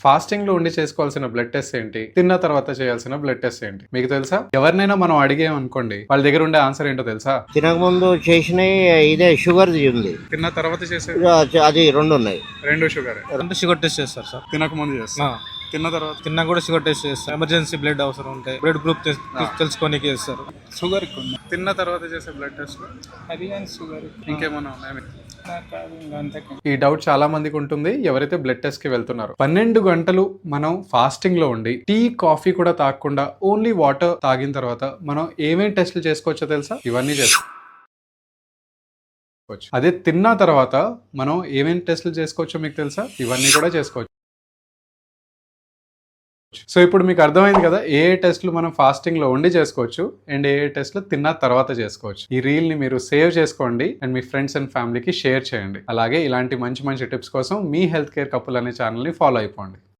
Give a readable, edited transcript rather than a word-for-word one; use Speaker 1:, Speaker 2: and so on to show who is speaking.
Speaker 1: Fasting లో ఉండి చేసుకోవాల్సిన బ్లడ్ టెస్ట్ ఏంటి, తిన్న తర్వాత చేయాల్సిన బ్లడ్ టెస్ట్ ఏంటి మీకు తెలుసా? ఎవరినైనా మనం అడిగాం అనుకోండి, వాళ్ళ దగ్గర ఉండే ఆన్సర్ ఏంటో తెలుసా?
Speaker 2: తినకముందు చేసినవి ఇదే షుగర్ది ఉంది,
Speaker 1: తిన్న తర్వాత చేసే
Speaker 2: అది రెండు ఉన్నాయి.
Speaker 1: రెండు షుగర్.
Speaker 3: అంటే షుగర్ టెస్ట్ చేస్తారు సార్.
Speaker 1: తినక ముందు చేస్తా, తిన్న తర్వాత
Speaker 3: తిన్నా కూడా షుగర్ టెస్ట్ చేస్తారు. ఎమర్జెన్సీ బ్లడ్ అవసరం ఉంటే బ్లడ్ గ్రూప్ తెలుసుకోనికి చేస్తారు.
Speaker 1: షుగర్ తిన్న తర్వాత చేసే బ్లడ్ టెస్ట్
Speaker 4: అది కానీ షుగర్
Speaker 1: ఇంకేమన్నా ఉన్నాయా?
Speaker 4: అంతే.
Speaker 1: ఈ డౌట్ చాలా మందికి ఉంటుంది ఎవరైతే బ్లడ్ టెస్ట్ కి వెళ్తున్నారో. 12 గంటలు మనం ఫాస్టింగ్ లో ఉండి టీ కాఫీ కూడా తాగకుండా ఓన్లీ వాటర్ తాగిన తర్వాత మనం ఏమేం టెస్ట్లు చేసుకోవచ్చో తెలుసా? ఇవన్నీ చేసుకోవచ్చు. అదే తిన్న తర్వాత మనం ఏమేం టెస్ట్లు చేసుకోవచ్చో మీకు తెలుసా? ఇవన్నీ కూడా చేసుకోవచ్చు. సో ఇప్పుడు మీకు అర్థమైంది కదా ఏ టెస్ట్లు మనం ఫాస్టింగ్ లో ఉండి చేసుకోవచ్చు అండ్ ఏ టెస్ట్లు తిన్న తర్వాత చేసుకోవచ్చు. ఈ రీల్ ని మీరు సేవ్ చేసుకోండి అండ్ మీ ఫ్రెండ్స్ అండ్ ఫ్యామిలీకి షేర్ చేయండి. అలాగే ఇలాంటి మంచి మంచి టిప్స్ కోసం మీ హెల్త్ కేర్ కపుల్ అనే ఛానల్ ని ఫాలో అయిపోండి.